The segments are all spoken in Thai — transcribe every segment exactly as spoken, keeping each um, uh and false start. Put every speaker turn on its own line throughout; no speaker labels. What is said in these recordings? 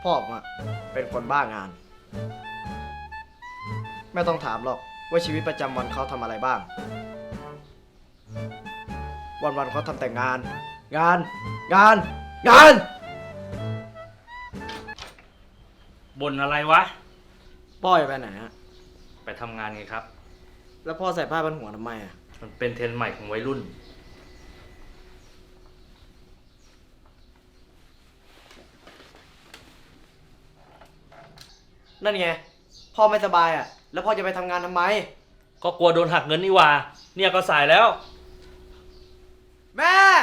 พ่อผมอะเป็นคนบ้างาน ไม่ต้องถามหรอกว่าชีวิตประจำวันเขาทำอะไรบ้าง วันๆเขาทำแต่งาน งาน งาน งาน
บ่นอะไรวะ
พ่อจะไปไหนฮะ
ไปทำงานไงครับ
แล้วพ่อใส่ผ้าพันหัวทำไมอะ
มันเป็นเทรนด์ใหม่ของวัยรุ่น
นั่นไง พ่อไม่สบายอะแล้วพ่อจะไปทำงานทำไม
ก็กลัวโดนหักเงินนี่หว่า เนี่ยก็สายแล้ว
แม่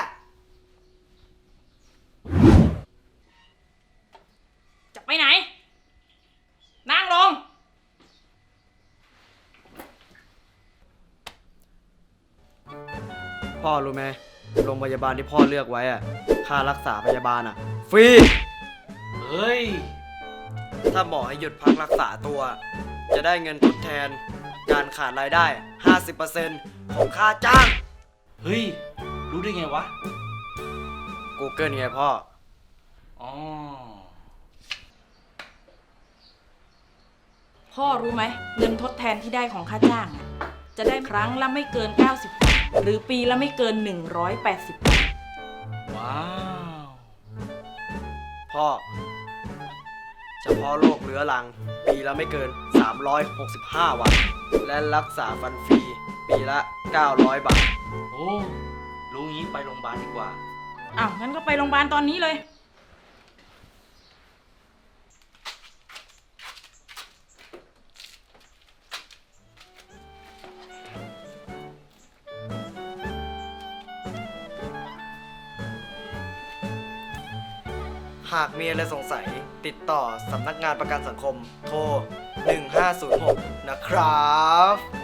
จะไปไหน นั่งลง
พ่อรู้ไหมโรงพยาบาลที่พ่อเลือกไว้อะค่ารักษาพยาบาลอะฟรี
เฮ้ย
ถ้าหมอให้หยุดพักรักษาตัว จะได้เงินทดแทน การขาดรายได้ ห้าสิบเปอร์เซ็นต์ ของค่าจ้าง
เฮ้ย รู้ได้ไงวะ
Google ไงพ่อ
อ๋อ
พ่อรู้ไหมเงินทดแทนที่ได้ของค่าจ้างอะจะได้ครั้งละไม่เกินเก้าสิบวันหรือปีละไม่เกินหนึ่งร้อยแปดสิบวัน
ว้าว
พ่อ เฉพาะโรคเรื้อรัง ปีละไม่เกิน สามร้อยหกสิบห้า วัน และรักษาฟันฟรี ปีละ เก้าร้อย บาท
โอ้ รู้งี้ไปโรงพยาบาลดีกว่า
อ้าวงั้นก็ไปโรงพยาบาลตอนนี้เลย
หากมีอะไรสงสัยติดต่อสำนักงานประกันสังคม โทร หนึ่งห้าศูนย์หก นะครับ